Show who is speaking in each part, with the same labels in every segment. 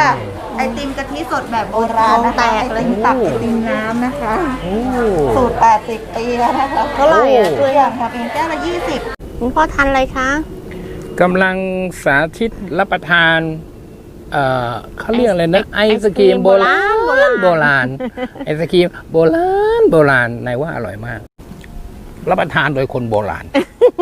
Speaker 1: ค่ะไอติมกะทิสดแบบโบราณนะคะไอติมตักไอติมน้ำนะคะสูตร80 ปีแล้วนะคะเท่าไหร่ตัวอย่างทำเองแก้วละ20
Speaker 2: คุณพ่อทานอะไรคะ
Speaker 3: กำลังสาธิตรับประทานเขาเรียกอะไรนะไอศกรีมโบราณไอศกรีมโบราณนายว่าอร่อยมากรับประทานโดยคนโบราณ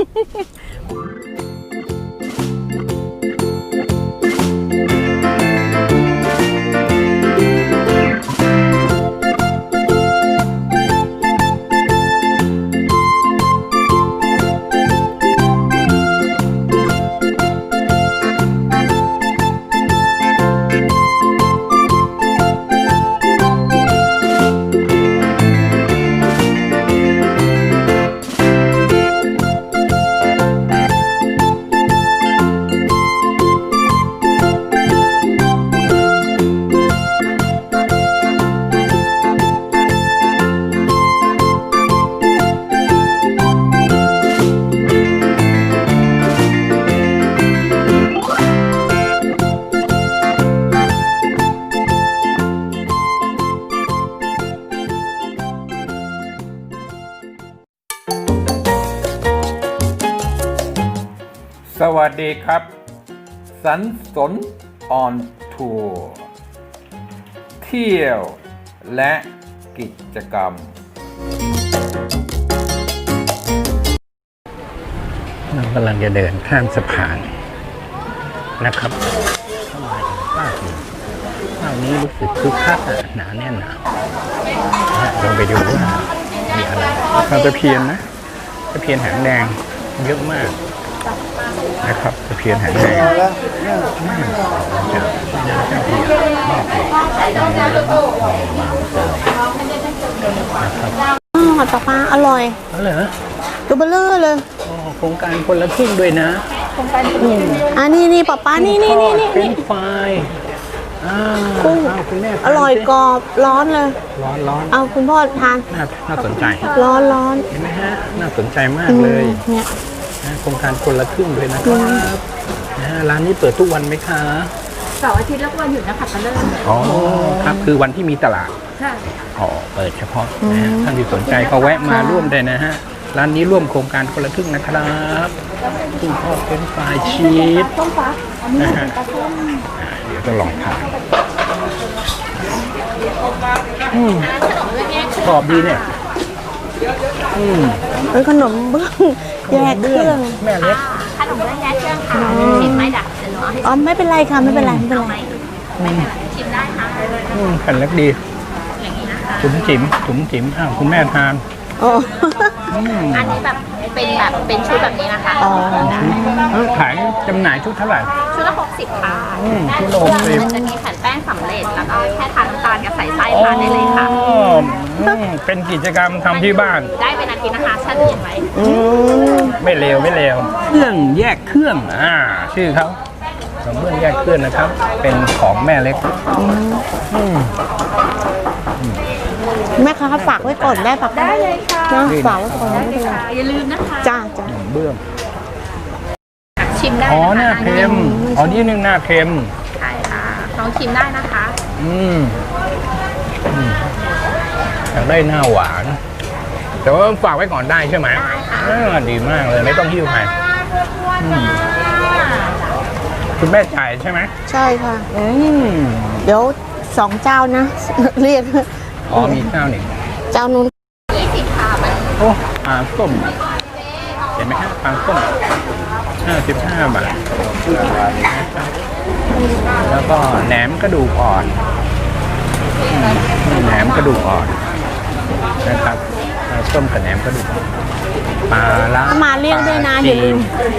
Speaker 3: สวัสดีครับสันสนออนทัวร์เที่ยวและกิจกรรมเรากำลังจะเดินข้ามสะพานนะครับเข้ามาอีกภาคหนึ่งภาคนี้รู้สึกคึกคักหนาแน่นหนาลองไปดูว่ามีอะไรตะเพียนนะตะเพียนหางแดงเยอะมากนะครับตะเพียนหางแดง
Speaker 2: ปลาอร่อย
Speaker 3: เหรอ
Speaker 2: ตัวเบลเลอร์เลย
Speaker 3: โครงการคนละครึ่งด้วยนะ
Speaker 1: โครงการ
Speaker 2: นี่ปลานี่
Speaker 3: เป็นไฟ
Speaker 2: กุ้งอร่อยกรอบร้อนเลย
Speaker 3: ร้อน
Speaker 2: เอาคุณพ่อทาน
Speaker 3: น่าสนใจ
Speaker 2: ร้อน
Speaker 3: เห็นไหมฮะน่าสนใจมากเลย
Speaker 2: เนี่ย
Speaker 3: โครงการคนละครึ่งเลยนะครับร้านนี้เปิดทุกวันไหมคะ
Speaker 1: เสาร์อาทิตย์แล้ววันหยุดนะคะตะเลิศ
Speaker 3: อ๋อครับคือวันที่มีตลาด
Speaker 1: ใช่
Speaker 3: เปิดเฉพาะนะท่านที่สนใจก็แวะมาร่วมได้นะฮะร้านนี้ร่วมโครงการคนละครึ่งนะครับคุณพ่อเป็นฝ่ายชีสนะฮะเดี๋ยวจะลองทานกรอบดีเนี่ย
Speaker 2: เป็นขนมเบื้องแยกเครื่อง
Speaker 3: แม่เล็ก
Speaker 1: ขนมเบื้องแยกเครื่องค่ะชิมไหมดัก
Speaker 2: อ๋อไม่เป็นไรค่ะไม่เป็นไร
Speaker 1: ชิมได้ค่ะ
Speaker 3: แผ่นเล็กดีจุ๋มจิ๋มคุณแม่ทาน
Speaker 1: อันนี้แบบเป็นชุดแบบนี้นะคะ
Speaker 3: ขายจำหน่ายชุดเท่าไหร่
Speaker 1: ชุดละ60 ค่ะ
Speaker 3: ชุดละ60
Speaker 1: มันจะมีแผ่นแป้งสำเร็จแล้วก็แค่ทานน้ำตาลกับใส่ไส้ทานได้เลยค่ะ
Speaker 3: เป็นกิจกรรมทำที่บ้าน
Speaker 1: ได้เป็นอาทิตย์นะคะแช่เย็นไว้
Speaker 3: ไม่เลวเครื่องแยกเครื่องชื่อเขาขนมเบื้องแยกเครื่องนะครับเป็นของแม่เล็ก
Speaker 2: แม่ค้าฝากไว้ก่อนได้ปะ
Speaker 1: ได้เลยค่ะ
Speaker 2: ฝากไว้ก่อนได้เลย
Speaker 1: อย่าลืมนะคะ
Speaker 2: จ้า
Speaker 3: เบื้อง
Speaker 1: ชิมได้
Speaker 3: หน้าเค็มนี่นึงหน้าเค็ม
Speaker 1: ใช่ค่ะลองชิมได้นะคะ
Speaker 3: อยากได้หน้าหวานแต่ว่าฝากไว้ก่อนได้ใช่ไหมดีมากเลยไม่ต้องหิ้วไปคุณแม่จ่ายใช่ไหม
Speaker 2: ใช่ค่ะเดี๋ยว2 เจ้านะเรียก
Speaker 3: มีเจ้าหนึ่ง
Speaker 2: เจ้านู้น
Speaker 1: 20 ค่ะ
Speaker 3: ปลาส้มเห็นไหมครับปลาส้ม55 บาทแล้วก็แหนมกระดูกอ่อนนะครับปลาส้มกับแหนมกระดูกปลาละ
Speaker 2: มาเรียกด้วยนะอย่าลืม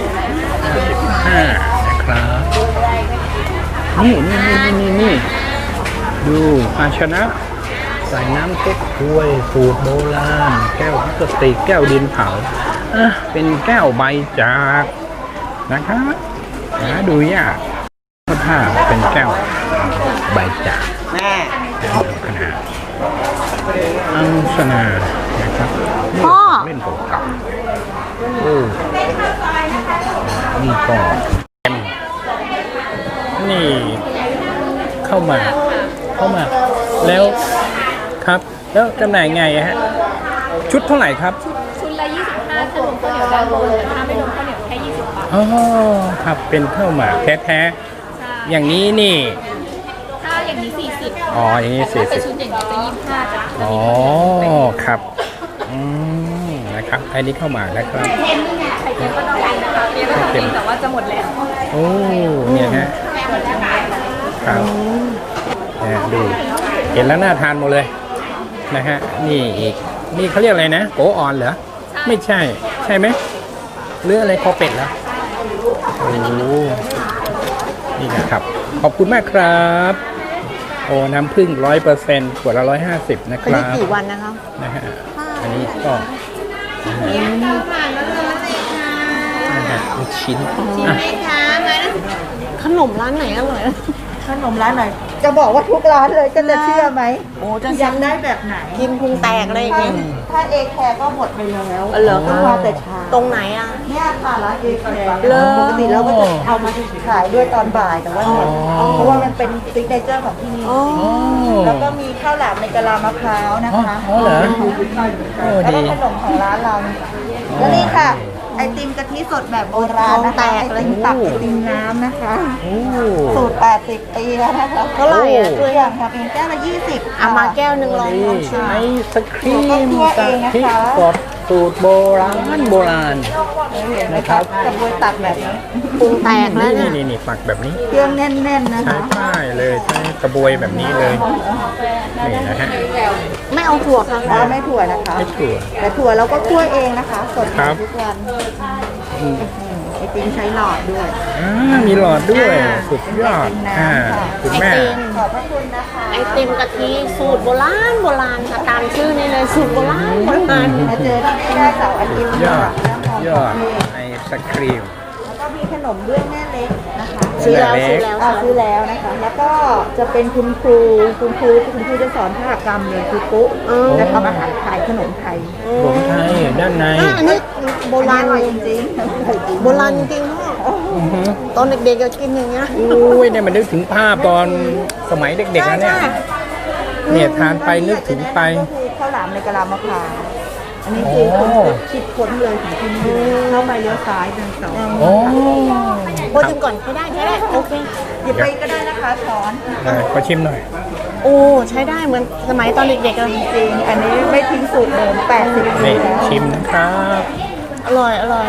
Speaker 3: นะครับนี่ดูภาชนะใส่น้ำเก๊กฮวยสูตรโบราณแก้วพลาสติกแก้วดินเผาเป็นแก้วใบจากนะครับดูยากถ้าเป็นแก้วใบจากขนาดอังสนานะครับเล่นเก่านี่ก็นี่ขข้าวหมากแล้วครับ แล้วจำหน่ายไงอะฮะชุดเท่าไหร่ครับ
Speaker 4: ชุดละ25ถ้ารวมข้าวเหนียวด้านบนแต่ถ้าไม่รวมข้าวเหนียวแค่20 บาท
Speaker 3: อ๋อครับเป็นข้าวหมากแท้
Speaker 4: ใช่
Speaker 3: ๆอย่างนี้นี่
Speaker 4: ถ้าอย่างนี้40
Speaker 3: อ๋ออย่างนี้
Speaker 4: ถ้าเป็น
Speaker 3: 40
Speaker 4: ชุดอย่างนี้จะ25จ้ะ
Speaker 3: อ๋อครับนะครับอันนี้ข้าวหมากนะครับ
Speaker 4: ไข่เค็มก็ต้องกินนะคะเรียกว่ากินแต่ว่าจะหมดแล้ว
Speaker 3: โอ้เนี่ยฮะครับดูเห็นแล้วน่าทานหมดเลยนะฮะนี่อีกนี่เขาเรียกอะไรนะโกออนเหรอไม่ใช่ใช่ไหมหรืออะไรคอเป็ดเหรอโอ้นี่นะครับขอบคุณมากครับโอ้น้ำผึ้ง100%ขวดละ150นะค
Speaker 2: อัน
Speaker 3: รั
Speaker 2: นี้
Speaker 3: บ
Speaker 2: กี่วันนะคะ
Speaker 3: นะฮะอันนี้ก็นะฮะลูกชิ้นอ่ะ
Speaker 2: ขนมร้านไหนอร่อย
Speaker 1: ขนมร้านไหนจะบอกว่าทุกร้านเลยจะเชื่อไหม
Speaker 2: โอ้จะ
Speaker 1: อยากได้แบบไหน
Speaker 2: กินพุงแตกเลยอย่างเงี้ย
Speaker 1: ถ้าเอแคร์ก็หมดไปแล้ว
Speaker 2: เหรอ
Speaker 1: ต้องมาแต่เช้า
Speaker 2: ตรงไหนอ่ะ
Speaker 1: เนี่ยค่ะร้านเอแคร์
Speaker 2: เหรอ
Speaker 1: ปกติเราก็จะเอามาขายด้วยตอนบ่ายแต่ว่าเนี่ยเพราะว่ามันเป็นซิกเนเจอร์ของที่นี่
Speaker 2: อ๋อ
Speaker 1: แล้วก็มีข้าวหลามในกะลามะพร้าวนะคะ
Speaker 3: อ๋อเหรอโอ้
Speaker 1: แล้ว
Speaker 3: ดี
Speaker 1: ก็ขนมของร้านเราแล้วนี่ค่ะ ไอติมกะทิสดแบบโบราณนะคะไอติมตักไอติมน้ำนะคะ
Speaker 3: โอ้
Speaker 1: สูตร80 ปีแล้วนะคะ
Speaker 2: เท่าไหร่อ่ะ
Speaker 1: ตัวอย่างทำเองแก้วละ20
Speaker 2: เอามาแก้วหนึ่งลองชิม
Speaker 3: ไอศครีม
Speaker 1: คั่วเองนะคะ
Speaker 3: สดสูตรโบราณ
Speaker 1: เห็นไหมครับกระบวยตักแบบนี้
Speaker 2: พุงแตกแล้ว
Speaker 3: นี่
Speaker 2: เนี่ย
Speaker 3: นี่ตักแบบนี้
Speaker 1: เครื่องแน่นๆนะ
Speaker 3: ใช้
Speaker 1: คะ
Speaker 3: ป้ายเลยใช้กระบวยแบบนี้เลยนี่นะฮะ
Speaker 2: ไม่เอาถั่วค่ะ
Speaker 1: ไม่ถั่วนะคะ
Speaker 3: ไม่ถั่ว
Speaker 1: แต่ถั่วเราก็คั่วเองนะคะสด
Speaker 3: ครับ
Speaker 1: ทุกวันไอติมใช้หลอดด้วย
Speaker 3: มีหลอดด้วยสุดยอดคุณ
Speaker 2: ไอ
Speaker 3: แม่
Speaker 2: ติม
Speaker 1: ขอบพระคุณนะคะ
Speaker 2: ไอติมกะทิสูตรโบราณค่ะตามชื่อนี้เลยสูตรโบราณ
Speaker 1: มาเจอที่หน้าเสาร์อาทิตย์
Speaker 3: ยอด
Speaker 1: ค่ะ
Speaker 3: ยอดไอศครีม
Speaker 1: แล้วก็มีขนมเบื้องแม่เล็กนะคะ
Speaker 2: ซื้อแล้ว
Speaker 3: เล็ก
Speaker 2: ซื้อแล้ว
Speaker 1: ซื้อแล้วนะคะ แล้วก็จะเป็นคุณครูจะสอนภาคกรรมเลยคือปุ๊จะทำอาหารไทยขนมไทย
Speaker 3: หลวงไทยด้านใน
Speaker 2: อันนี้โบราณ
Speaker 1: อร่อยจริงๆ
Speaker 2: โบราณจริงๆพ่อตอนเด็กๆก็กินอย่างเงี้ย
Speaker 3: อุ้ยเนี่ยมันนึกถึงภาพตอนสมัยเด็กๆนะเนี่ยเนี่ยทานไปนึกถึงไป
Speaker 1: ก็คือข้าวหลามในกะลามะพร้าวอันนี้คือคิดค้นเลยของที่นี่เข้าไปเลี้ยวซ้ายเดินสอง
Speaker 3: โอ้
Speaker 2: โอ้ชิมก่อนใช้ได้โอเค
Speaker 1: หยิบไปก็ได้นะคะช้อน
Speaker 3: ขอชิมหน่อย
Speaker 2: โอ้ใช้ได้เหมือนสมัยตอนเด็กๆเลย
Speaker 1: จริงอันนี้ไม่ทิ้งสูตรเดิม80 ปี
Speaker 3: นี่
Speaker 1: แล้ว
Speaker 3: ชิมนะครับ
Speaker 2: อร่อยอร่อย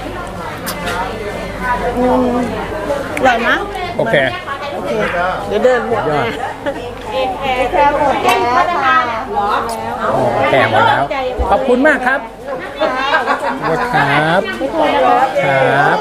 Speaker 2: นะ
Speaker 3: โอเค
Speaker 2: โอเคเดี๋ยวเดินหมด
Speaker 3: ยอด
Speaker 1: แค่หมดแล้วค่ะ
Speaker 3: โอ้แก่หมดแล้ว ขอบคุณมากครับครับครับ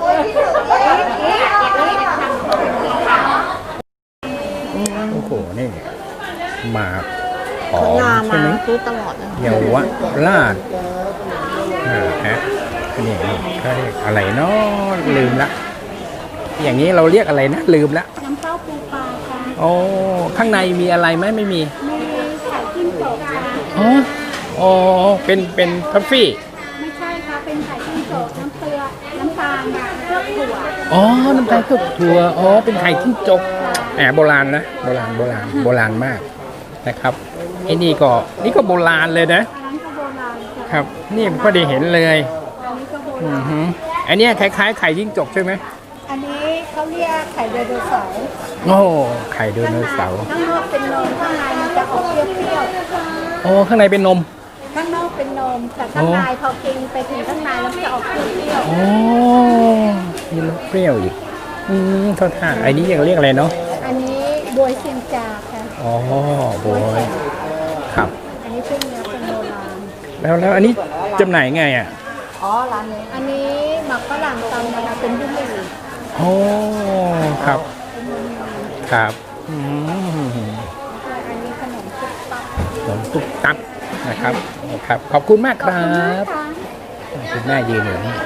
Speaker 3: โอ้โหนี่หมากหอม
Speaker 2: งา
Speaker 3: ใช่
Speaker 2: มา
Speaker 3: ไหม
Speaker 2: ซื้อตลอดเลย
Speaker 3: เยาวราชฮะนี่เขาเรียกอะไรเนาะลืมละ อย่างนี้เราเรียกอะไรนะ ลืมละ
Speaker 4: น้ำเต้าปูปลาค่ะ
Speaker 3: โอ้ข้างในมีอะไรไหมไม่มี
Speaker 4: มีไข่จิ้มโจกค่ะ
Speaker 3: อ๋ออ๋อเป็นทัฟฟี่
Speaker 4: ไม่ใช่ค่ะเป็นไข่จิ้มโจกน้ำเกลือน้ำตาลเครื่องถั่ว
Speaker 3: อ๋อน้ำตาลเคลือบถั่วอ๋อเป็นไข่จิ้งจกแหมโบราณนะโบราณมากนะครับไอ้นี่ก็โบราณเลยนะ
Speaker 4: อันนั้นก็โบราณค่ะ
Speaker 3: ครับ นี่ก็ได้เห็นเลย
Speaker 4: อันนี้ก็โบ
Speaker 3: อื
Speaker 4: รา
Speaker 3: อ
Speaker 4: ณ
Speaker 3: ฮึอันเนี้ยคล้ายๆไข่จิ้งจกใช่ไหม
Speaker 4: อันนี้เขาเรียกไข่ไดโนเสาร์
Speaker 3: โอ้ไข่ไดโนเสาร์
Speaker 4: ข้างนอกเป็นนมข้างในมันจะออกเปรี้ยว
Speaker 3: โอ้ข้างในเป็นนม
Speaker 4: ๆข้างนอกเป็นนมแต่ข้างในพอกินไปถึงข้างในแล้วมันจะออกเปรี้ยว
Speaker 3: โอ้มีรสเปรี้ยวอีกเท่าท่าไอ้นี้ยังเรียกอะไรเนาะ
Speaker 4: ๆอันนี้บวยเซียงจาค่ะ
Speaker 3: อ๋อโบยครับ
Speaker 4: อันนี้เป็นเนื้อเป็นโบราณ
Speaker 3: แล้วอันนี้จำหน่ายไงอ่ะ
Speaker 1: อ๋อร้านนี้
Speaker 4: อันนี้หมักฝรั่งตำนะคะเป็นบุ้งหมี่
Speaker 3: โอ้ครับครับอืม
Speaker 4: อันนี้ขนมซุปปัก
Speaker 3: ขนมตุ๊กตักนะครับขอบคุณมากครับ
Speaker 4: ค่ะ
Speaker 3: คุณแม่ยืนอยู่นี่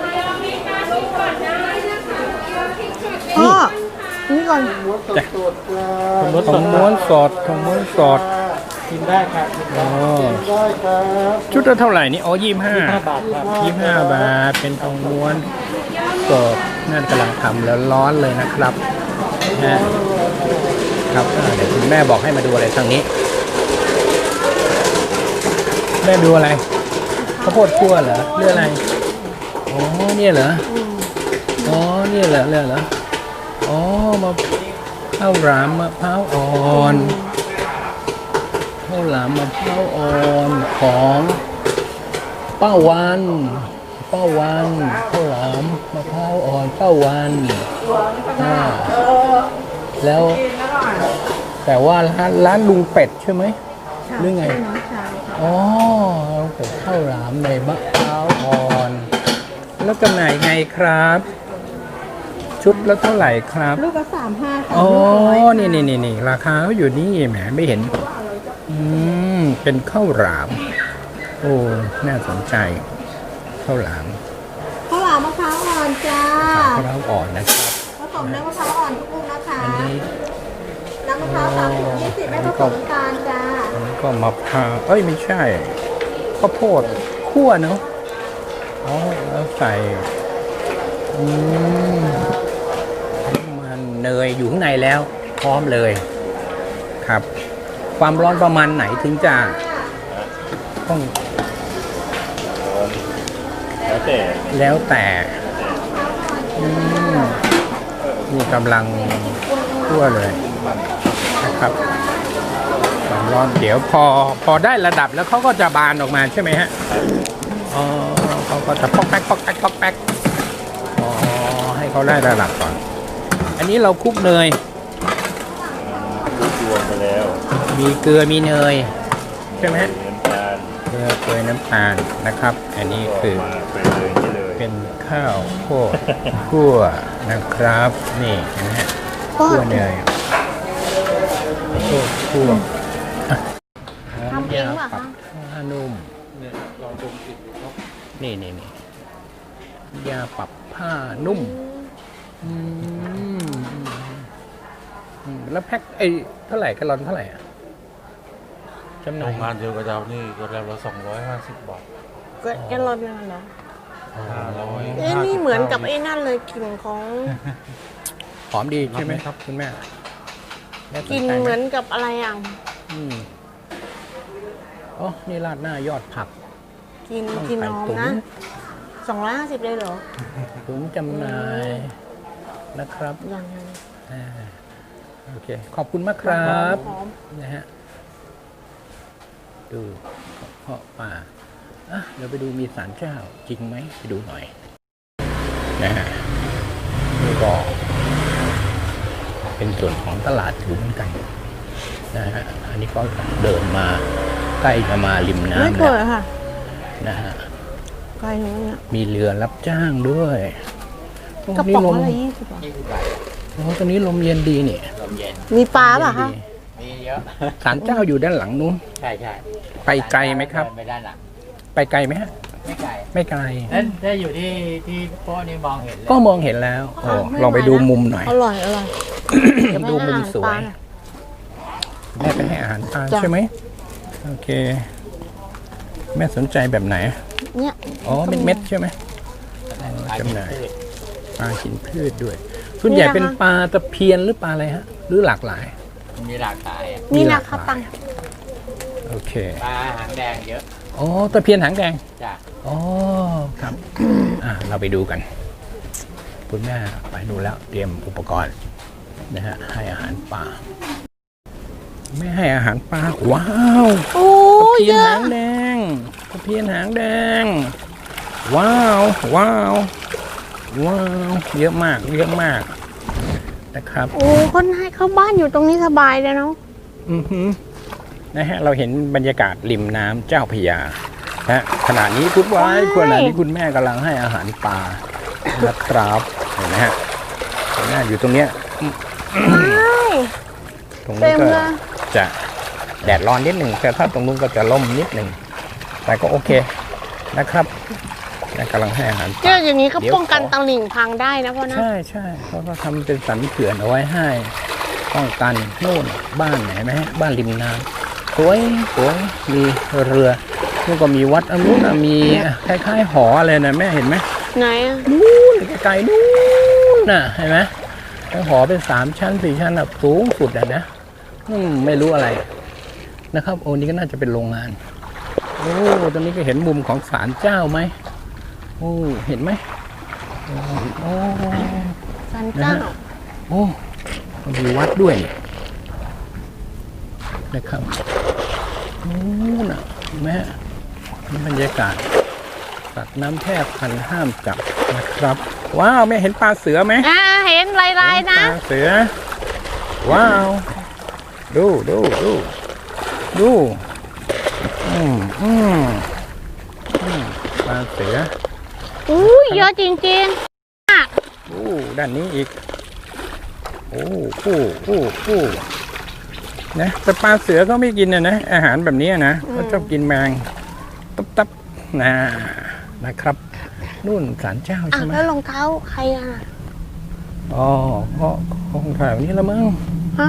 Speaker 2: พ่อนี่ก่อน
Speaker 3: จ้ะของม้วนสดกินได้ครับอ๋อชุดละเท่าไหร่นี่อ๋อ25 บาทครับ25 บาทเป็นทองม้วนสดนั่นกำลังทำแล้วร้อนเลยนะครับนะครับเดี๋ยวคุณแม่บอกให้มาดูอะไรทางนี้ แม่ดูอะไรข้าวโพดคั่วเหรอหรืออะไรอ๋อเนี่ยเหรออ๋อเนี่ยเหรออ๋อมาข้าวหลามมะพร้าวอ่อนข้าวหลามมะพร้าวอ่อนของป้าวันข้าวหลามมะพร้าวอ่อนป้าวันแล้วแต่ว่าร้านลุงเป็ดใช่ไหมหรือไงอ๋อลุงเป็ดข้าวหลามในมะพร้าวอ่อนแล้วจำหน่ายไงครับ ชุดแล้วเท่าไหร่ครับ
Speaker 1: ลูกละ35ค่ะ
Speaker 3: อ๋อนี่ราคาเขาอยู่นี่แหมไม่เห็นเป็นข้าวหลาม โอ้น่าสนใจข้าวหลาม
Speaker 1: ข้าวหลามมะพร้าวอ่อนจ้า
Speaker 3: ข้าวหลามอ่อนนะครับ
Speaker 1: ผสมน้ำมะพร้าวอ่อนทุกลูกนะคะ
Speaker 3: อันนี้
Speaker 1: น้ำมะพร้าว30 20ไม่ผสมน้ำตาลจ้า
Speaker 3: อันนี้ก็มะพร้าวเอ้ยไม่ใช่ข้าวโพดคั่วเนาะอ๋อแล้วใส่มันเนยอยู่ข้างในแล้วพร้อมเลยครับ ความร้อนประมาณไหนถึงจะต้องแล้วแต่นี่กำลังคั่วเลยนะครับความร้อนเดี๋ยวพอได้ระดับแล้วเขาก็จะบานออกมาใช่ไหมฮะอ๋อเขาก็จะป๊อกแป๊กอ๋อให้เขาได้ระดับก่อนอันนี้เราคลุกเนยมีเกลือมีเนยใช่ไหมฮะเกลือน้ำตาลนะครับ อันนี้คือเป็นข้าวโพดคั่วนะครับนี่นะฮะคั่วเนยโพดคั่ว
Speaker 2: ทำเองป่ะคะ
Speaker 3: ผ้านุ่มนี่ยาปรับผ้านุ่มแล้วแพ็คเท่าไหร่กะลอนเท่าไหร่อะจำหน่า
Speaker 5: โร
Speaker 3: ย
Speaker 5: งงานเดียวกับเรานี่ก็แล้วละ250 บาท
Speaker 2: แกลลอนนั่นเหรอ
Speaker 5: 500
Speaker 2: เอ๊ะนี่เหมือนกับไอ้นั่นเลยกลิ่นของ
Speaker 3: หอมดีใช่ไหมครับคุณแม่
Speaker 2: กลิ่นเหมือนกับอะไรอ่ะ
Speaker 3: อ๋อนี่ราดหน้ายอดผัก
Speaker 2: กิน
Speaker 3: ต้อง
Speaker 2: กิน
Speaker 3: ใส่
Speaker 2: หอม
Speaker 3: ตุ๋น
Speaker 2: นะ250เลยเหรอ
Speaker 3: ถุงจำหน่ายนะครับ
Speaker 2: อย่างนั้น
Speaker 3: โอเคขอบคุณมากครับ
Speaker 2: หอม
Speaker 3: นะฮะดูเพาะป่าเดี๋ยวไปดูมีศาลเจ้าจริงไหมไปดูหน่อยนะฮะนี่ก็เป็นส่วนของตลาดถือเหมือนกันนะฮะอันนี้ก็เดินมาใกล้จะมาริม
Speaker 2: ไม่
Speaker 3: น้ำ
Speaker 2: เปิ
Speaker 3: แล้ว
Speaker 2: ดค่ะ
Speaker 3: นะฮะ
Speaker 2: ไกลอย่างนี้ย
Speaker 3: มีเรือรับจ้างด้วย
Speaker 2: กระป๋องอะไร20 บาท
Speaker 3: โอ้ตอนนี้ลมเย็นดีนี่
Speaker 2: มีปลาป่ะคะ
Speaker 6: มีเยอะ
Speaker 3: ศาลเจ้าอยู่ด้านหลังนู้น
Speaker 6: ใช่ใช่
Speaker 3: ไปไกลไหมครับ
Speaker 6: ไปด้านหลัง
Speaker 3: ไปไกลไหมฮะ
Speaker 6: ไม่ไกล
Speaker 3: ไม่ไกล
Speaker 6: นั่นถ้าอยู่ที่โป๊ะนี่มองเห็นเลย
Speaker 3: ก็มองเห็นแล้วโอ้ลองไปดูมุมหน่อย
Speaker 2: อร่อย
Speaker 3: ดูมุมสวย แม่ไปให้อาหารปลาใช่ไหมโอเค แม่สนใจแบบไหน
Speaker 2: เนี่ย
Speaker 3: อ๋อเม็ดๆใช่ไหมจำหน่ายปลากินพืชด้วย ส่วนใหญ่เป็นปลาตะเพียนหรือปลาอะไรฮะ หรือหลากหลาย
Speaker 6: มีหลากหลายอะ
Speaker 2: นี่
Speaker 3: ห
Speaker 2: นะ
Speaker 3: ลากห
Speaker 2: คะ
Speaker 3: ลาย
Speaker 2: ตัง
Speaker 3: โอเค
Speaker 6: ปลาหางแดงเยอะ
Speaker 3: อ๋อตะเพียนหางแดง
Speaker 6: จ้ะ
Speaker 3: อ๋อครับเราไปดูกัน คุณแม่ไปดูแล้วเตรียมอุปกรณ์นะฮะให้อาหารปลาไม่ให้อาหารปลาว้าว
Speaker 2: โอ้
Speaker 3: ตะเพี
Speaker 2: เย
Speaker 3: ยน
Speaker 2: อะ
Speaker 3: หางแดงตะเพียนหางแดง ว้าวว้าวว้าวเยอะมากนะครับ
Speaker 2: โอ้คนให้เข้าบ้านอยู่ตรงนี้สบายเลยเนาะ
Speaker 3: นะฮะเราเห็นบรรยากาศริมน้ำเจ้าพระยานะขณะนี้ขณะนี้คุณแม่กำลังให้อาหารปลานะครับเห็นไหมฮะคุณแม่อยู่ตรงเนี้ย ตรง
Speaker 2: เต็
Speaker 3: นี้
Speaker 2: ม
Speaker 3: ก็
Speaker 2: เลย
Speaker 3: จะแดดร้อนนิดหนึ่งแต่ถ้าตรงนู้นก็จะร่มนิดหนึ่งแต่ก็โอเคนะครับกำลังให้อาหารป
Speaker 2: เจ
Speaker 3: ลา
Speaker 2: ออย่างนี้ก็
Speaker 3: เดี๋ยว
Speaker 2: ป้องกันตลิ่งพังได้นะพ่อนะ
Speaker 3: ใช่เขาก็ทำเป็นสันเขื่อนเอาไว้ให้ป้องกันโน่นบ้านไหนไหมฮะบ้านริมน้ำสวยมีเรือแล้วก็มีวัดอันนู้นมีคล้ายๆหออะไรนะแม่เห็นไหม
Speaker 2: ไหนอะ
Speaker 3: นู่นไกลๆนู่นน่ะเห็นไหมแล้วหอเป็น3 ชั้น 4 ชั้นแบบสูงสุดนะไม่รู้อะไรนะครับโอ้นี่ก็น่าจะเป็นโรงงานโอ้ตอนนี้ก็เห็นมุมของศาลเจ้าไหมโอ้เห็นไหมโอ้
Speaker 2: ศาลเจ้า
Speaker 3: โอ้มีวัดด้วยนะครับโอ้น่ะเห็นไหมนี่บรรยากาศสัตว์น้ำแทบพันห้ามจับนะครับว้าวแม่เห็นปลาเสือไหม
Speaker 2: เห็นลายๆนะ
Speaker 3: ปลาเสือว้าวดูปลาเสือ
Speaker 2: เยอะจริง
Speaker 3: ด้านนี้อีกนะแต่ปลาเสือเขาไม่กินนะอาหารแบบนี้นะเขาชอบกินแมงตับนะครับนู่นศาลเจ้าใช่ไหม
Speaker 2: แล้วรองเท้าใครอ่ะ
Speaker 3: อ๋อก็คงถ่ายวันนี้ละมั้ง
Speaker 2: ฮะ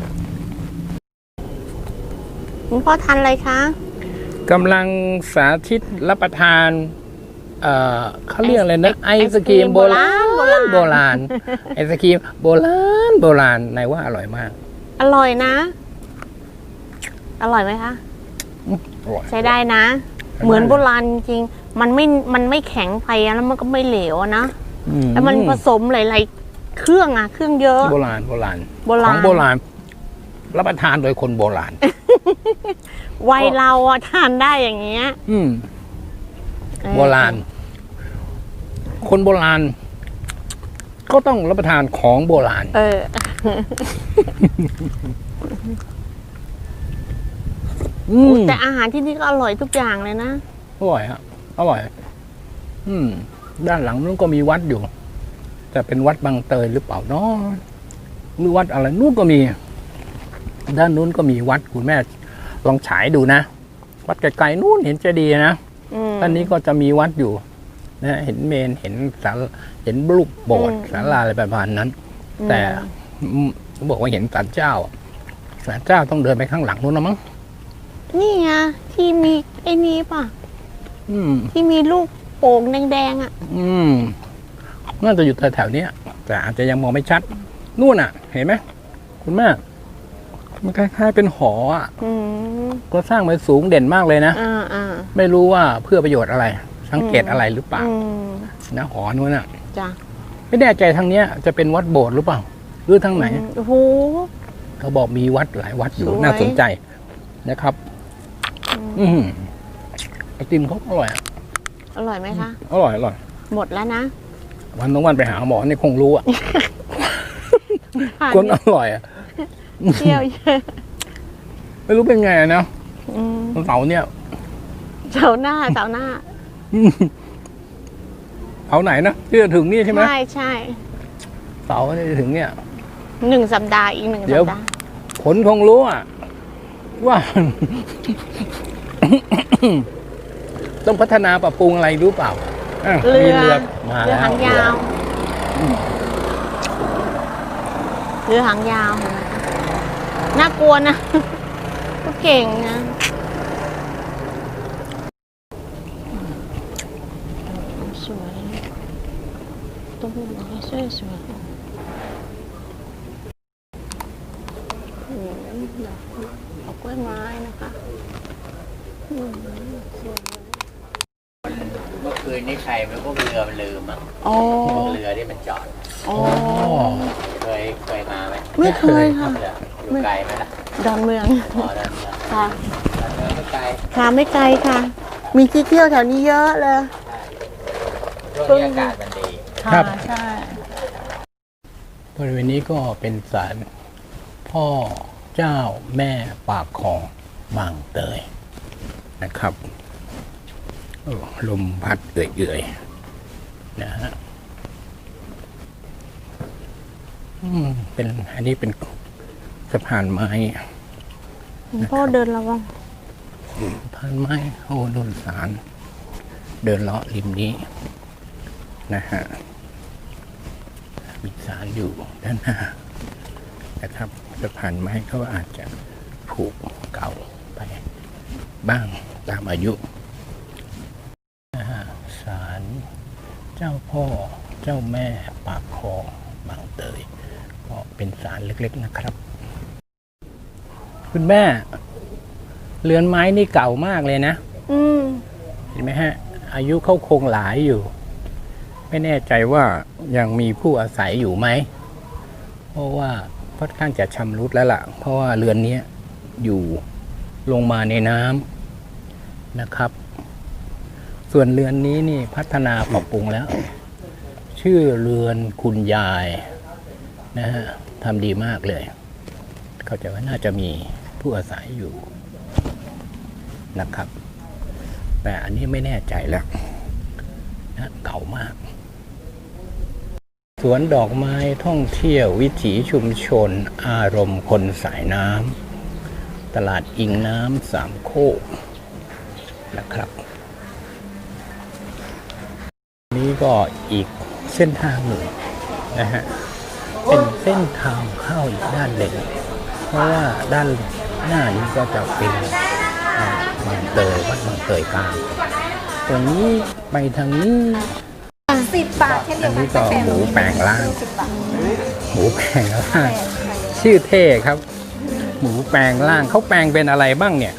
Speaker 2: คุณพ่อทานอะไรคะ
Speaker 3: กำลังสาธิตรับประทานเขาเรียกอะไรนะไอศกรีมโบราณไอศกรีมโบราณนายว่าอร่อยมาก
Speaker 2: อร่อยนะ อร่อยไหมคะ
Speaker 3: อร่อย
Speaker 2: ใช้ได้นะ เหมือนโบราณจริงๆมันไม่แข็งไปอะแล้วมันก็ไม่เหลวอะนะ แล้วมันผสมหลายๆเครื่องอะเครื่องเยอะ
Speaker 3: โบราณของโบราณรับประทานโดยคนโบราณ
Speaker 2: วัยเราอะทานได้อย่างเงี้ย
Speaker 3: โบราณ คนโบราณ ก็ต้องรับประทานของโบราณ
Speaker 2: แต่อาหารที่นี่ก็อร่อยทุกอย่างเลยนะ
Speaker 3: อร่อยฮะอร่อย ด้านหลังนู้นก็มีวัดอยู่ แต่เป็นวัดบางเตยหรือเปล่าเนาะหรือวัดอะไรนู้นก็มี ด้านนู้นก็มีวัดคุณแม่ลองฉายดูนะ วัดไกลๆนู้นเห็นเจดีย์นะด้านนี้ก็จะมีวัดอยู่นะเห็นเมนเห็นศาลเห็นรูปโบสถ์ศาลาอะไรประมาณนั้น แต่บอกว่าเห็นศาลเจ้าต้องเดินไปข้างหลังนู้นนะมั้ง
Speaker 2: นี่ไงที่มีไอ้นี้ป่ะที่มีลูกโป่งแดงๆอ่ะ
Speaker 3: น่าจะอยู่แถวๆนี้แต่อาจจะยังมองไม่ชัดนู่นอ่ะ เห็นไหมคุณแม่มันคล้ายๆเป็นหออ่ะก็สร้างไว้สูงเด่นมากเลยนะไม่รู้ว่าเพื่อประโยชน์อะไร สังเกตอะไรหรือเปล่านะหอนู้นอ่ะ
Speaker 2: จ้ะ
Speaker 3: ไม่แน่ใจทางเนี้ยจะเป็นวัดโบสถ์หรือเปล่าหรือทางไหน
Speaker 2: โอ้โห
Speaker 3: เขาบอกมีวัดหลายวัดอยู่
Speaker 2: สวย
Speaker 3: น่าสนใจนะครับไอติมเขาอร่อย
Speaker 2: อร่อยไหมคะ
Speaker 3: อร่อย
Speaker 2: หมดแล้วนะ
Speaker 3: วันต้องวันไปหาหมอนี่คงรู้อ่ะ คนอร่อยอ่ะ
Speaker 2: เที่ยวเยอะ
Speaker 3: ไม่รู้เป็นไงนะวันเสาร์เนี่ย
Speaker 2: เสาร์หน้า
Speaker 3: เสาร์ไหนนะที่จะถึงนี่ใช่ไหม
Speaker 2: ใช่
Speaker 3: เสาร์ที่จะถึงเนี่ย
Speaker 2: 1 สัปดาห์อีก 1
Speaker 3: เดี๋
Speaker 2: สั
Speaker 3: ยว
Speaker 2: ปดาห์
Speaker 3: ผลคงรู้อ่ะ ว่า ต้องพัฒนาปรับปรุงอะไรรู้เปล่ามีเรือมา
Speaker 2: เรือ
Speaker 3: แล้ว
Speaker 2: หางยาวเรือหางยาวเห็นไหมน่ากลัวนะ ก็เก่งนะสวยต้นไม้สวยเอากล้วยไม้นะคะ
Speaker 6: เมื่อคืนนี่ใครไม่พวกเรือมันลืมอ่ะ
Speaker 2: อ๋อ
Speaker 6: พวกเรือที่มันจอด
Speaker 2: อ๋อ
Speaker 6: เคยมาไหม
Speaker 2: ไม่เคยค่ะ
Speaker 6: เรืออยู่ไกลไหมล่ะ
Speaker 2: ดอนเมือง
Speaker 6: อ๋อนั่นนะ
Speaker 2: ค่ะ
Speaker 6: ไม่ไกล
Speaker 2: ค่ะไม่ไกลค่ะ มีที่เที่ยวแถวนี้เยอะเลย
Speaker 6: ช่วงนี้อากาศมันดี
Speaker 3: ครับ
Speaker 2: ใช่
Speaker 3: บริเวณนี้ก็เป็นศาลพ่อเจ้าแม่ปากคลองบางเตยนะครับโอ้ลมพัดเอื่อยๆนะฮะอันนี้เป็นสะพานไม้
Speaker 2: พ่อเดินระวัง
Speaker 3: สะพานไม้โอ้โดนสารเดินเลาะริมนี้นะฮะมีสารอยู่ด้านหน้านะครับสะพานไม้เขาอาจจะผุเก่าไปบ้างตามอายุนะฮะศาลเจ้าพ่อเจ้าแม่ปากคลองบางเตยก็เป็นศาลเล็กๆนะครับคุณแม่ เรือนไม้นี่เก่ามากเลยนะ
Speaker 2: อืม
Speaker 3: เห็นไหมฮะ อายุเขาคงหลายอยู่ ไม่แน่ใจว่ายังมีผู้อาศัยอยู่ไหม เพราะว่าค่อนข้างจะชำรุดแล้วล่ะ เพราะว่าเรือนนี้อยู่ลงมาในน้ำนะครับ ส่วนเรือนนี้นี่พัฒนาปรับปรุงแล้ว ชื่อเรือนคุณยายนะฮะทำดีมากเลย เข้าใจว่าน่าจะมีผู้อาศัยอยู่นะครับ แต่อันนี้ไม่แน่ใจแล้วนะเก่ามาก สวนดอกไม้ท่องเที่ยววิถีชุมชนอารมณ์คนสายน้ำตลาดอิงน้ำสามโคกนะครับ นี้ก็อีกเส้นทางหนึ่งนะฮะเป็นเส้นทางเข้าอีกด้านหนึ่งเพราะว่าด้านหน้านี้ก็จะเป็นบางเตยวัดบางเตยกลางตรงนี้ไปทางนี้
Speaker 1: 10 บาทเช่นเดี
Speaker 3: อั
Speaker 1: ย
Speaker 3: น
Speaker 1: วกั
Speaker 3: นี้
Speaker 1: น
Speaker 3: ก็หมูแปลงร่าง หมูแปลงร่างชื่อเท่ครับ หมูแปลงร่างเขาแปลงเป็นอะไรบ้างเนี่ย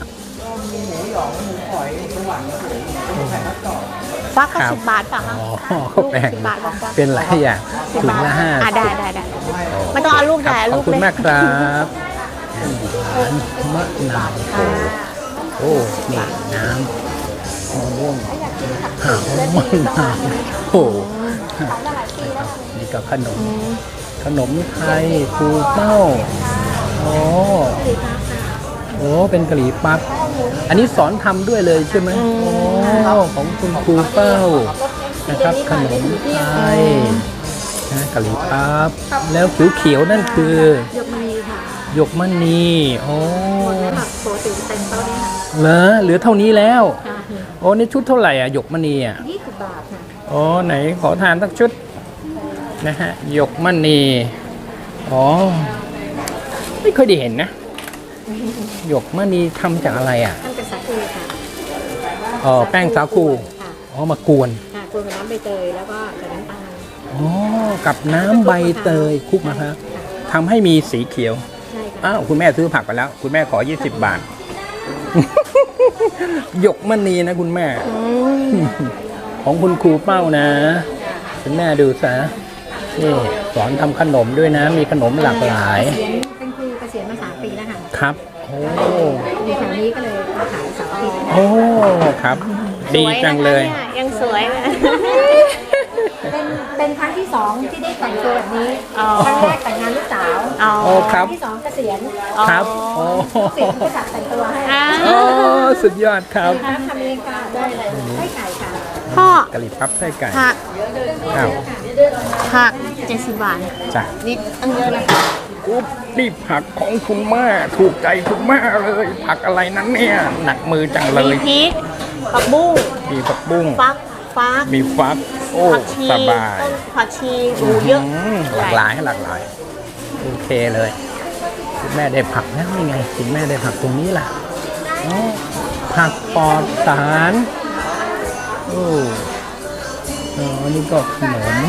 Speaker 2: ฟักก็
Speaker 3: ครับ
Speaker 2: 10 บาทป่ะคะ
Speaker 3: อ๋อเขาแปลง
Speaker 2: 10 บาทลองฟัก
Speaker 3: เป็นหลายอย่างถุงละห้า
Speaker 2: ได้ไม่ต้องเอาลูก
Speaker 3: ครับ
Speaker 2: ใหญ่
Speaker 3: ข
Speaker 2: ลู
Speaker 3: อบ
Speaker 2: ก
Speaker 3: คุณ
Speaker 2: เล็ก
Speaker 3: มากครับมะนาวโอ้นี่น้ำมะม่วงหาวมะนาวโอ้นี่ก็ขนมไทยปูเป้าโอ้เป็นกะหรี่ปั๊บอันนี้สอนทำด้วยเลยใช่ไหมโอ้ของคุณครูเป้านะครับขนมไทยนะกะหรี่ปั๊บแล้วเขียวๆนั่นคือหยกมณีโอ้เหลือเท่านี้แล้วโอ้นี่ชุดเท่าไหร่อ่ะหยกมณีอ่ะ20 บาทค่ะโอ้ไหนขอทานสักชุดนะฮะหยกมณีอ๋อไม่เคยได้เห็นนะหยกมณีทำจากอะไรอ่ะ
Speaker 4: ทำจากสาคูค่ะ
Speaker 3: อ๋อแป้งสาคู
Speaker 4: ค่ะ
Speaker 3: อ๋อมากวน
Speaker 4: ค่ะกวนกับน้ำใบเตยแล้วก็กับน้ำตาล
Speaker 3: อ๋อกับน้ำใบเตยคลุกนะครับทำให้มีสีเขียว
Speaker 4: ใช่ค่ะ
Speaker 3: อ้าวคุณแม่ซื้อผักไปแล้ว คุณแม่ขอ20 บาท หยกมณีนะคุณแม่ ของคุณครูเป้านะ คุณแม่ดูซะนี่สอนทำขนมด้วยนะ มีขนมหลากหลาย
Speaker 4: เป็นครูเกษียณมา3 ปีแล้วค่ะ
Speaker 3: ครับ โอ้
Speaker 4: อยู่แถวนี้ก็เลยมาขายเสาร์อาทิตย์
Speaker 3: โอ้ครับ ดีจังเลย
Speaker 2: สวนะคะนี่ยังสวยเลย
Speaker 4: เป็นครั้งที่ 2 ที่ได้แต่งตัวแบบนี้
Speaker 2: อ๋อ
Speaker 4: ครั้งแรกแต่งงานลูกสาว
Speaker 2: อ๋อ
Speaker 3: โอ้ครับ
Speaker 4: ที่2เกษียณ
Speaker 3: ครับโอ้
Speaker 4: เกษียณก็จัดแต่งตัวให้
Speaker 2: อ่า
Speaker 3: โอ้สุดยอดครับ
Speaker 4: ทำเองค่ะได้เลยให้ไก่ค่ะ
Speaker 2: พ่อก
Speaker 3: ะหรี่ปั๊บไส้ไก่
Speaker 2: ผัก
Speaker 3: อ้าว
Speaker 2: ผัก70 บาท
Speaker 3: จ้ะ
Speaker 2: นิดอันเยอะนะ
Speaker 3: อุ๊บนี่ผักของคุณแม่ถูกใจคุณแม่เลย ผักอะไรนั้นเนี่ย หนักมือจังเล
Speaker 2: มี
Speaker 3: ย
Speaker 2: พริกผักบุ้ง
Speaker 3: มีผักบุ้ง
Speaker 2: ฟัก
Speaker 3: มีฟัก โอ้
Speaker 2: ผักชี
Speaker 3: สบาย
Speaker 2: ต้นผักชีหูเยอะ
Speaker 3: หลากหลายหลากหลาย โอเคเลย คุณแม่ได้ผักแล้วนี่ไง คุณแม่ได้ผักตรงนี้ล่ะอ๋อผักปลอดสารโอ้อ๋อนี่ก็ขนม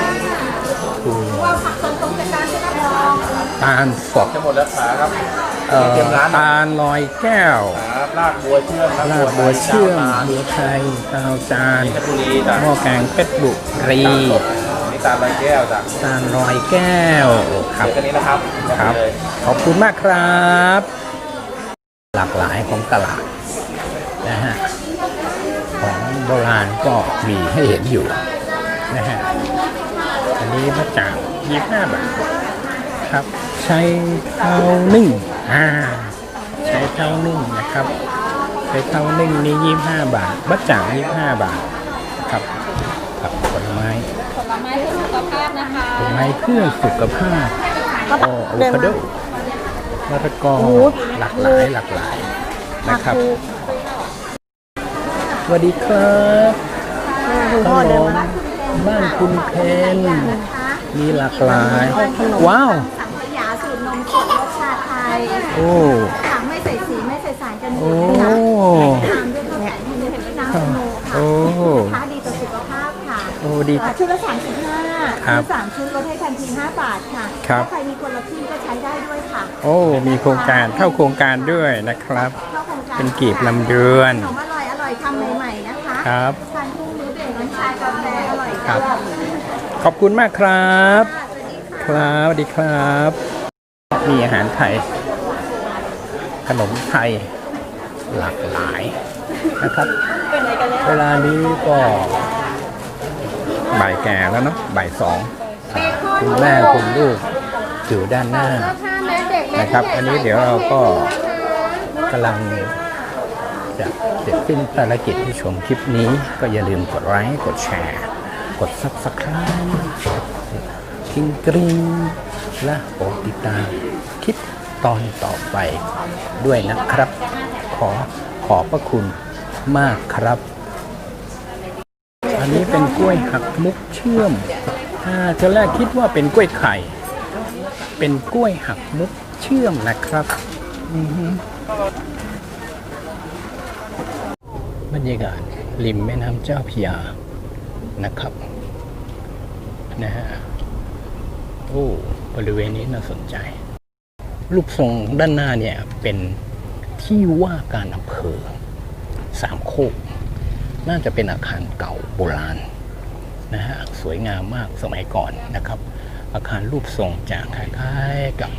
Speaker 3: ตาลสด
Speaker 5: จะหมดแล้วขาครับ
Speaker 3: ตาลลอยแก้ว
Speaker 5: ครับลากบัวเชื่อมครับ
Speaker 3: ลาบบัวเชื่อมบัวไทยตาวจาน
Speaker 5: เพชรบุรีจ้ะ
Speaker 3: หม้อแกงเพชรบุรี
Speaker 5: นี่ตาลใบแก้วจ้ะ
Speaker 3: ตาลลอยแก้วครับ
Speaker 5: เดี๋ยวกันนี้นะครับ
Speaker 3: ครับ
Speaker 5: เลย
Speaker 3: ขอบคุณมากครับ หลากหลายของตลาดนะฮะของโบราณก็มีให้เห็นอยู่นะฮะอันนี้มาจาก25 บาทครับใช้เท้านึ่งใช้เท้านึ่งนะครับใช้เท้านึ่งนี่25 บาทบัจจ่าง25 บาทครับครับผลไม้ผลไม้เพื่อสุขภาพนะคะผลไม้เพื่อสุขภาพอะโวคาโดมะละกอหลากหลายนะครับสวัสดีครับ
Speaker 2: คุณพ่อเดินมา
Speaker 3: บ้านคุณเพนมีหลากหลาย ว้าว
Speaker 1: สังขยาสูตรนมสดรสชาติไทย
Speaker 3: โอ้
Speaker 1: ค่ะไม่ใส่สีไม่ใส่สารกันบู
Speaker 3: โอ้
Speaker 1: ดนะคะทานด้วยเนี่ยเห็นไหมน้ำสโนค่ะ
Speaker 3: โอ้
Speaker 1: ค้าดีต่อสุขภาพค่ะ
Speaker 3: โอ้ดี
Speaker 1: ชุดละ35
Speaker 3: ครับ
Speaker 1: ซื้อ3 ชุดลดให้ทันที5 บาทค่ะ
Speaker 3: ครับ
Speaker 1: ถ้าใครมีคนละครึ่งก็ใช้ได้ด้วยค่ะ
Speaker 3: โอ้มีโครงการเข้าโครงการด้วยนะครับ
Speaker 1: เข้าโครงการ
Speaker 3: เป็นกีบลำเดือน
Speaker 1: ขนมอร่อยทำใหม่ๆนะคะ
Speaker 3: ครับ
Speaker 1: ทานพรุ่งนี้ดื่มน้ำชากาแฟอร่อย
Speaker 3: ครับ
Speaker 1: ด้วย
Speaker 3: ขอบคุณมากครับ ครับสวัสดีครับ มีอาหารไทย ขนมไทยหลากหลายนะครับ เวลานี้ก็บ่ายแก่แล้วเนาะบ่ายสองคุณแม่คุณลูกอยู่ด้านหน้านะครับ อันนี้เดี๋ยวเราก็กำลังจะเสร็จสิ้นภารกิจที่ชมคลิปนี้ก็อย่าลืมกดไลค์กดแชร์ กด Subscribe กริ๊งและโปรดติดตามคลิปตอนต่อไปด้วยนะครับ ขอบพระคุณมากครับ อันนี้เป็นกล้วยหักมุกเชื่อมตอนแรกคิดว่าเป็นกล้วยไข่ เป็นกล้วยหักมุกเชื่อมนะครับบรรยากาศริมแม่น้ำเจ้าพระยานะครับนะฮะโอ้บริเวณนี้น่าสนใจ รูปทรงด้านหน้าเนี่ยเป็นที่ว่าการอำเภอสามโคกน่าจะเป็นอาคารเก่าโบราณนะฮะสวยงามมากสมัยก่อนนะครับ อาคารรูปทรงจะคล้ายๆกับ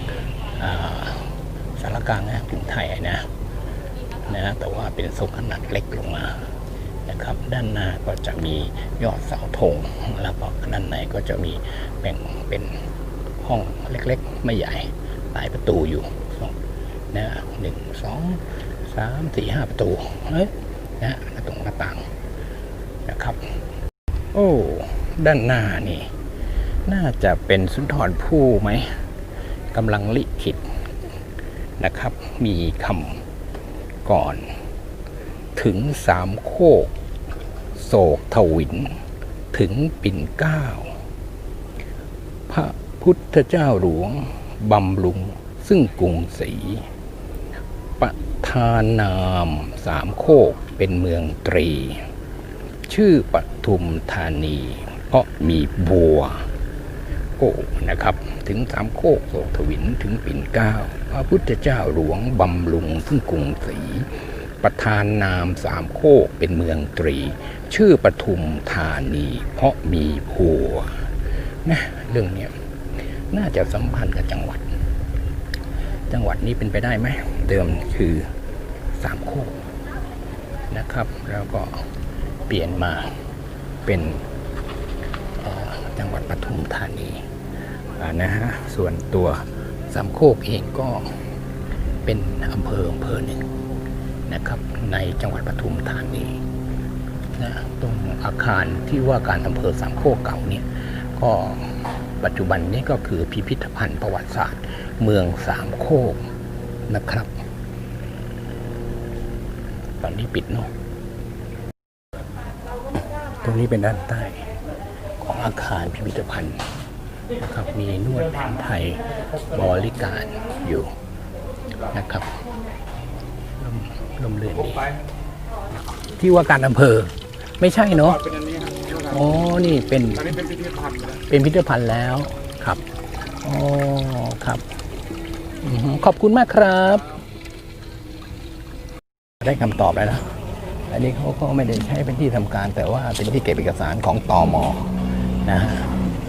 Speaker 3: สารกลางกรุงไทยนะแต่ว่าเป็นทรงขนาดเล็กลงมานะครับ ด้านหน้าก็จะมียอดเสาธงแล้วก็ด้านในก็จะมีแบ่งเป็นห้องเล็กๆไม่ใหญ่หลายประตูอยู่นะ1 2 3 4 5ประตูนะตรงหน้าต่างนะครับโอ้ด้านหน้านี่น่าจะเป็นสุนทรภู่ไหมกำลังลิขิตนะครับมีคำก่อนถึงสามโคกโศกทวินถึงปิ่นเกล้าพระพุทธเจ้าหลวงบำรุงซึ่งกรุงศรีประธานนามสามโคกเป็นเมืองตรีชื่อปทุมธานีเพราะมีบัวโอ้นะครับถึงสามโคกโศกทวินถึงปิ่นเกล้าพระพุทธเจ้าหลวงบำรุงซึ่งกรุงศรีประธานนามสามโคกเป็นเมืองตรีชื่อปทุมธานีเพราะมีบัวนะเรื่องนี้น่าจะสัมพันธ์กับจังหวัดนี้เป็นไปได้ไหมเดิมคือสามโคกนะครับแล้วก็เปลี่ยนมาเป็นจังหวัดปทุมธานีนะฮะส่วนตัวสามโคกเองก็เป็นอำเภอหนึ่งนะครับในจังหวัดปทุมธานีนะตรงอาคารที่ว่าการอำเภอสามโคกเก่าเนี่ยก็ปัจจุบันนี้ก็คือพิพิธภัณฑ์ประวัติศาสตร์เมืองสามโคกนะครับตอนนี้ปิดเนาะตรงนี้เป็นด้านใต้ของอาคารพิพิธภัณฑ์นะครับมีนวดแผนไทยบริการอยู่นะครับลมเลื่อนดีที่ว่าการอำเภอไม่ใช่เนาะอ๋อนี่เป็นพิพิธภัณฑ์แล้วครับอ๋อครับขอบคุณมากครับได้คำตอบแล้วนะอันนี้เขาก็ไม่ได้ใช้เป็นที่ทำการแต่ว่าเป็นที่เก็บเอกสารของตม.นะฮะ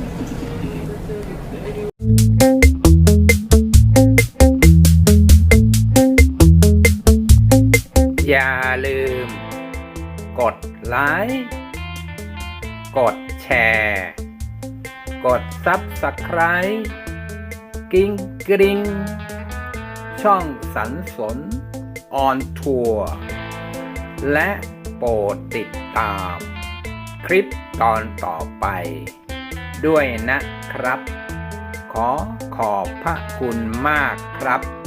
Speaker 3: อย่าลืมกดไลค์กดแชร์กด Subscribe กิ้งกริงช่องสรรสนออนทัวร์และโปรดติดตามคลิปตอนต่อไปด้วยนะครับขอบพระคุณมากครับ